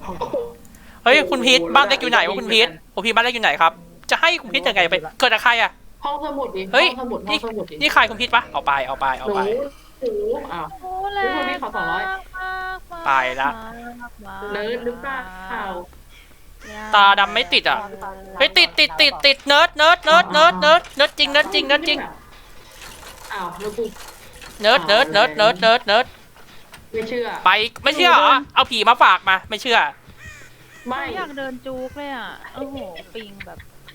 เฮ้ยคุณพีทบ้านเล็กอยู่ไหนวะคุณพีทคุณพีทบ้านเล็กอยู่ไหนครับจะให้คุณพีทยังไงไปเกิดอะไรใครอะห้องสมุดดิเฮ้ยห้องสมุดห้องสมุดดินี่ใครคุณพีทปะเอาไปหนูอ้าวโอ้แรงคุณพี่ขอ200 ไปละเนิร์ดหรือเปล่าตาดำไม่ติดอ่ะเฮ้ยติดเนิร์ดจริงอ้าวแล้วกูเนิร์ดไม่เชื่อไปไม่เชื่อเหรอเอาผีมาฝากมาไม่เชื่อไม่อยากเดินจูกเลยอ่ะโอ้โหปิงแบบ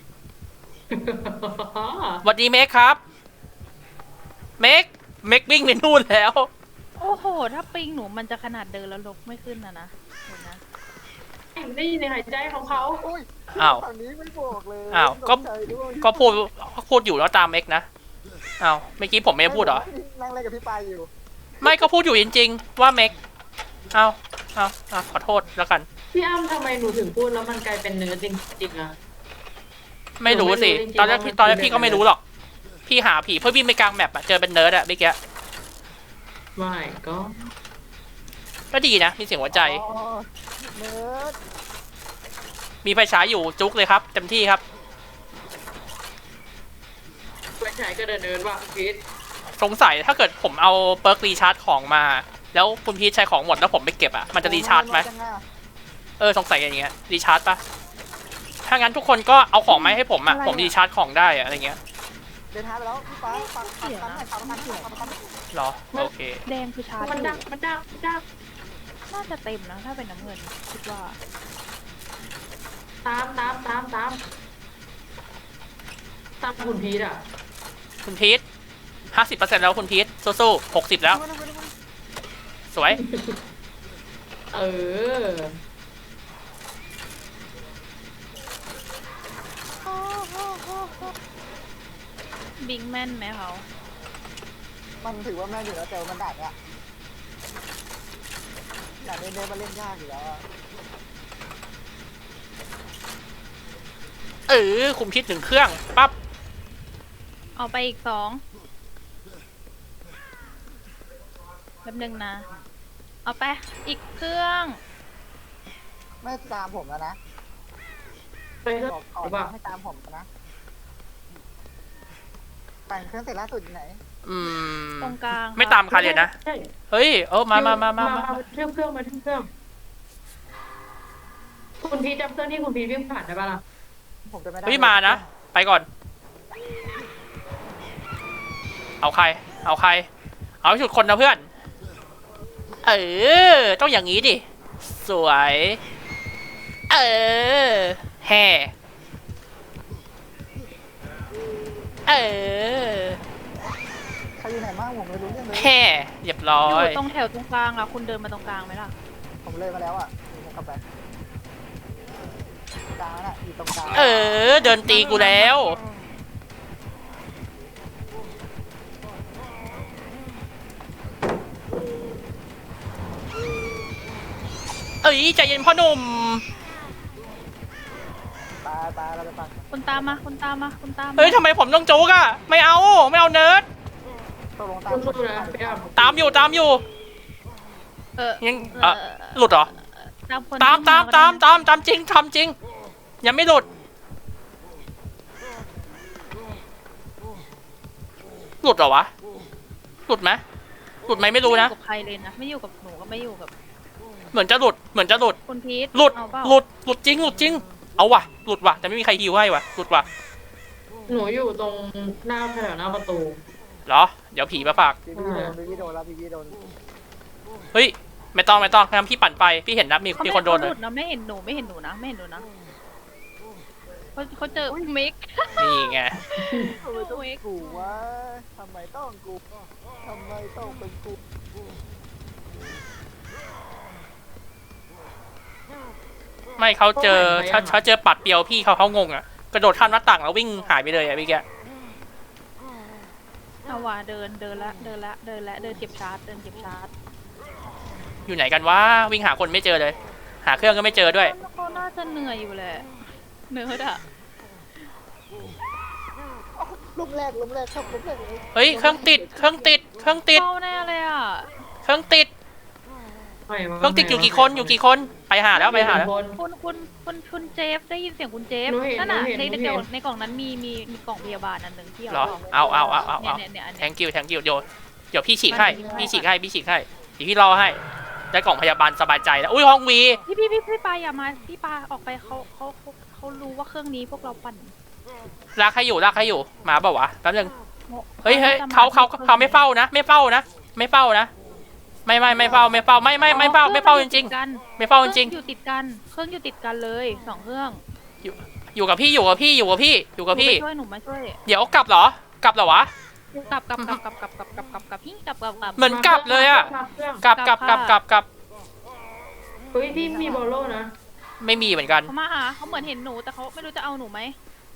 สวัสดีเมคครับเมควิ่งไปนู่นแล้วโอ้โหถ้าปิงหนูมันจะขนาดเดินแล้วลกไม่ขึ้นนะเห็นนะได้ยินในหายใจของเขาอ้าวฝั่งนี้ไม่บอกเลยอ้าวก็พูดอยู่แล้วตามเมคนะอ้าวเมื่อกี้ผมไม่ได้พูดเหรอนั่งเล่นกับพี่ปายอยู่ไม่ก็พูดอยู่จริงๆว่าเมคเอาขอโทษแล้วกันพี่อ้ำทำไมหนูถึงพูดแล้วมันกลายเป็นเนื้อจริงๆอะไม่รู้สิตอนแรกพี่ก็ไม่รู้หรอกพี่หาผีเพื่อวิ่งไปกลางแมปอะเจอเป็นเนิร์ดอะเมื่อกี้ไม่ก็ดีนะมีเสียงหัวใจอ๋อเนิร์ดมีไฟฉายอยู่จุกเลยครับเต็มที่ครับไปฉายก็เดินว่ะพีทสงสัยถ้าเกิดผมเอาเปิร์กรีชาร์จของมาแล้วคุณพีชใช้ของหมดแล้วผมไปเก็บอะมันจะรีชาร์จไหมสงสัยอย่างเงี้ยรีชาร์จปะถ้างั้นทุกคนก็เอาของมาให้ผมอะผมรีชาร์จของได้อะอะไรเงี้ยเดินทางไปแล้วพี่ปายปังหรอโอเคแดงคือชาร์จมันดักน่าจะเต็มนะถ้าเป็นน้ำเงินคิดว่าตามคุณพีทอะคุณพีช50%แล้วคุณพีชสู้ๆ60แล้วสวยเออบิงแม่นไหมเขามันถือว่าแม่อยู่แล้วแต่มันดักอะดักเน้นๆมาเล่นยากอยู่แล้วคุณพีช1เครื่องปั๊บเอาไปอีก2แป๊บนึงนะเอาไปอีกเครื่องไม่ตามผมแล้วนะไปเถอะบอกก่อนหรือเปล่าไม่ตามผมนะแต่งเครื่องเสร็จล่าสุดอยู่ไหนตรงกลางไม่ตามใครเลยนะใช่เฮ้ยมาเชื่อมเครื่องมาเชื่อมเครื่องคุณพีทจำเครื่องที่คุณพีทวิ่งผ่านได้ปะล่ะผมจะไม่ได้เฮ้ยมานะไปก่อนเอาใครเอาชุดคนนะเพื่อนต้องอย่างนี้ดิสวยแห่ใครอยู่ไหนบ้างผมไม่รู้เรื่องเลยแห่เรียบร้ออยู่ยตรงแถวตรงกลางอะคุณเดินมาตรงกลางไหมล่ะผมเลยมาแล้วอ่ะผมกลับไปกลางน่ะอยู่ตรงกลางเดินตีกูแล้วใจเย็นพ่อหนุ่มตายเราไปฟังคุณตามมาทำไมผมต้องจุกอะไม่เอาเนิร์ดตกลงสู้ๆนะพี่อ้ำตามอยู่ยังหลุดเหรอตามคนตามจริงทำจริงยังไม่หลุดเหรอวะหลุดไหมไม่รู้นะกับใครเลยนะไม่อยู่กับหนูก็ไม่อยู่กับเหมือนจะหลุดคุณพีทหลุดเอาเปล่าหลุดจริงเอาว่ะหลุดว่ะแต่ไม่มีใครฮิวให้ว่ะหลุดว่ะหนูอยู่ตรงหน้าแถวหน้าประตูเหรอเดี๋ยวผีมาฝากพี่โดนแล้วพี่โดนเฮ้ยไม่ต้องทำพี่ปั่นไปพี่เห็นนะมีคนโดนเขาเลหยลุดนะไม่เห็นหนูนะเขาเจอมิกนี่ไงทำไมต้องกูวะทำไมต้องกูทำไมต้องเป็นกูไม่เขาเจอปัดเปียวพี่เขางงอ่ะกระโดดข้ามหน้าต่างแล้ววิ่งหายไปเลยอ่ะพี่แกเอาว่ะเดินละเดินเก็บชาร์จอยู่ไหนกันวะวิ่งหาคนไม่เจอเลยหาเครื่องก็ไม่เจอด้วยเขาน่าจะเหนื่อยอยู่แหละเนื้ออะล้มแรกครับล้มแรกเลยเฮ้ยเครื่องติดเข้าแน่เลยอ่ะเครื่องติดอยู่กี่คนไปหาแล้วไปหาแล้วคนคุณเจฟได้ยินเสียงคุณเจฟหนูเห็นนั่นน่ะหนูเห็นในหนูเห็นในกล่องนั้นมีกล่องพยาบาลอันหนึ่งที่เหรอเอาเอาเนี่ยอันเนี้ย thank you เดี๋ยวพี่ฉีกให้พี่ฉีกให้เดี๋ยวพี่รอให้ได้กล่องพยาบาลสบายใจแล้วอุ้ยห้องวีพี่ปาอย่ามาพี่ปาออกไปเขารู้ว่าเครื่องนี้พวกเราปั่นลากให้อยู่มาเปล่าวะแป๊บนึงเฮ้ยเขาไม่เฝ้านะไม่เฝ้านะไม่เฝ้าจริงๆไม่เฝ้าจริงเครื่องอยู่ติดกันเครื่องอยู่ติดกันเลยสองเครื่องๆอยู่กับพี่หนูมาช่วยเดี๋ยวกลับเหรอกลับวะกลับพี่กลับเหมือนกลับเลยอะ กลับเฮ้ยพี่มีบอลโล่นะไม่มีเหมือนกันเขามาหาเขาเหมือนเห็นหนูแต่เขาไม่รู้จะเอาหนูไหม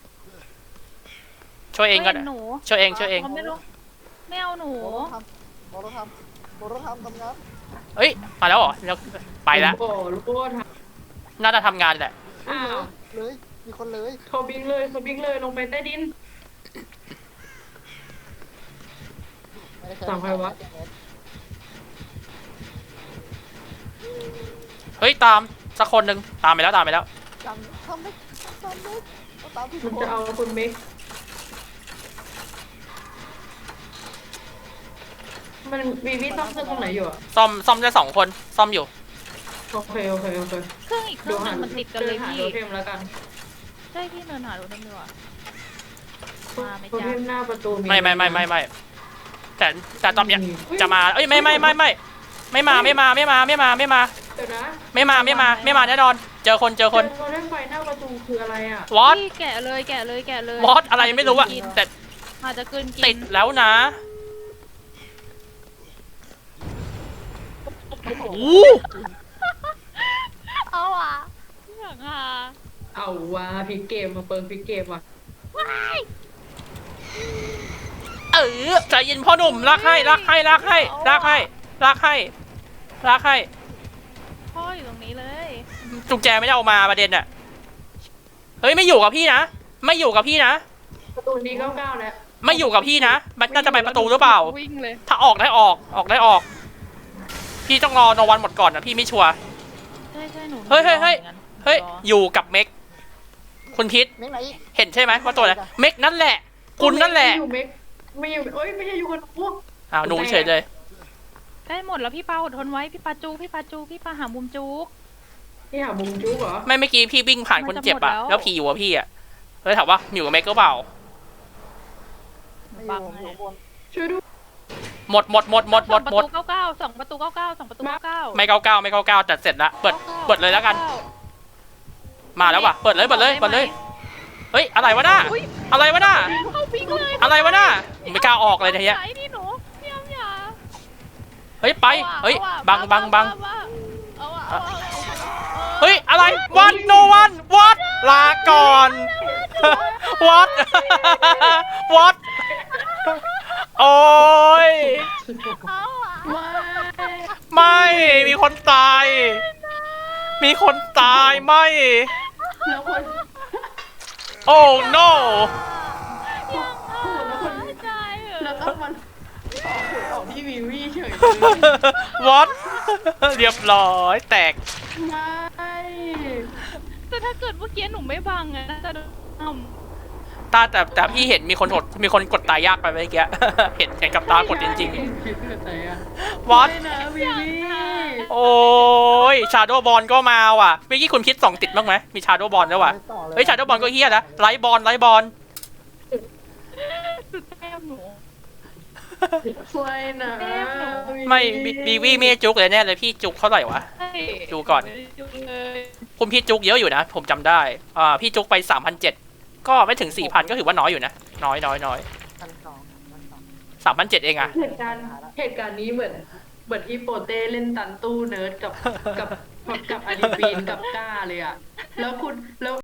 ช่วยเองก็ห็นหนูช่วยเองเขาไม่รู้ไม่เอาหนูโมโรทำทำงานเอ้ยมาแล้วเหรอไปแล้วโอ้โหทน่าจะทำงานแหละำอ้าวเลยมีคนเลยเขาบิงเลยลงไปใต้ดินไม่ได้ใช้สั่งใครวะเฮ้ยตามสักคนหนึ่งตามไปแล้วจังทำไม่ตามที่มันจะเอาคุณเมกมันวีซ่อมเครื่องตรงไหนอยู่อะซ่อมได้2 คนซ่อมอยู่โอเคเครื่องอีกเครื่องหนึงมันติดกันเลยหาพี่โทเทมแล้วกันใช่พี่เดินหาดูน้ำเนื้อมาไม่โทจ้าเทมหน้าประตูไม่แต่ตอนเนี้ยจะมาเอ้ยไม่มาเดี๋ยวนะไม่มาแน่นอนเจอคนโทเทมไฟหน้าประตูคืออะไรอะวอตพี่แกะเลยวอตอะไรไม่รู้อะแต่อาจจะเกินกินติดแล้วนะโอ้โหเอาอ่ะอยากหาเอาว่าพลิกเกมมาเปิงพลิกเกมว่ะใจเย็นพ่อหนุ่มลากให้พ่ออยู่ตรงนี้เลยจุงแจไม่ได้เอามาประเด็นอะเฮ้ยไม่อยู่กับพี่นะประตูนี้99แล้วไม่อยู่กับพี่นะมันน่าจะไปประตูหรือเปล่าวิ่งเลยถ้าออกได้ออกพี่ต้องรอโนวันหมดก่อนนะพี่ไม่ชัวร์ใช่หนูเฮ้ยรอหมือนกันอยู่กับเม็กคุณพิษเม้งไหนเห็นใช่ไหมว่าตัวอะไรเม็กนั่นแหละคุณนั่นแหละไม่อยู่เมกไม่อยู่เอ้ยไม่ใช่อยู่คนพวกอ้าวหนูเฉยเลยได้หมดแล้วพี่ปาอดทนไว้พี่ปาหามุมจุกที่หามุมจุ๊กเหรอไม่เมื่อกี้พี่วิ่งผ่านคนเจ็บอะมันจะหมดแล้วแล้วผีอยู่กับพี่อะเลยถามว่าอยู่กับเม็กก็เปล่าไม่อยู่ผมอยู่บนช่วยด้วยหมดสองประตู99สองประตู99 ไม่99แต่เสร็จละเปิดเลยแล้วกัน มาแล้วว่ะเปิดเลยเฮ้ยอะไรวะหน้าเข้าปิงเลยอะไรวะหน้าไม่กล้าออกเลยทีเนี้ยไหนนี่หนูพี่อ้ำอย่าเฮ้ยไปเฮ้ยบังเอาอะเฮ้ยอะไรวันโนวันวัดลาก่อนวัดวัดโอ้ยเอาอะไม่ไม่มีคนตายไม่แล้วคนโอ้ no ใจเหรอแล้วก็มันออกพี่วิวี่เฉยวัดเรียบร้อยแตกไม่แต่ถ้าเกิดเมื่อกี้หนูไม่บังอะน่าจะโดนอ้ำแต่พี่เห็นมีคนกดตายยากไปเมื่อกี้ เห็นกับตากดจริงคิดอะไรอะๆวัดไม่นะวิวี่โอ้ยชาโดว์บอลก็มาว่ะเมื่อกี้คุณคิด2 ติดบ้างไหมมีชาโดว์บอลด้วยว่ะไม่ต่อเลยเฮ้ยชาโดว์บอลก็เฮี้ยนะไลท์บอลสุดแก้มหนูช่วยนะไม่บีวี่ไม่จุกเลยแน่เลยพี่จุกเท่าไหร่วะใช่ดูก่อนดูเลยคุณพี่จุกเยอะอยู่นะผมจำได้พี่จุกไป 3,700 ก็ไม่ถึง 4,000 ก็ถือว่าน้อยอยู่นะน้อย3,700 เองอะเหตุการณ์นี้เหมือนที่โปเต้เล่นตันตู้เนิร์ดกับอาริฟีนกับก้าเลยอะแล้ว